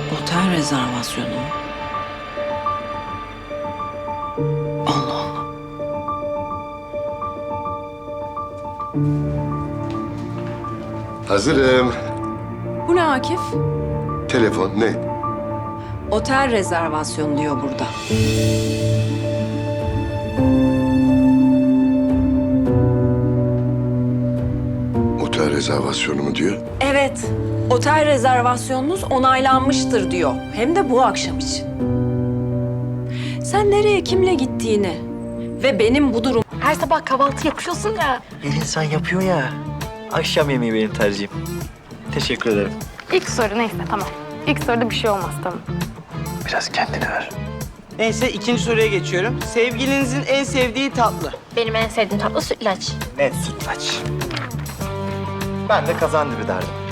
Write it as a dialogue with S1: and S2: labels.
S1: Otel rezervasyonu mu? Allah Allah.
S2: Hazırım.
S1: Bu ne Akif?
S2: Telefon ne?
S1: Otel rezervasyonu diyor burada.
S2: Otel rezervasyonu mu diyor?
S1: Evet, otel rezervasyonunuz onaylanmıştır diyor. Hem de bu akşam için. Sen nereye, kimle gittiğini ve benim bu durum...
S3: Her sabah kahvaltı yapıyorsun ya.
S4: Her insan yapıyor ya. Akşam yemeği benim tercihim. Teşekkür ederim.
S3: İlk soru neyse tamam. İlk soruda bir şey olmaz tamam.
S4: Biraz kendini ver.
S5: Neyse ikinci soruya geçiyorum. Sevgilinizin en sevdiği tatlı.
S3: Benim en sevdiğim tatlı sütlaç.
S4: Net sütlaç. Ben de kazandibi derdim.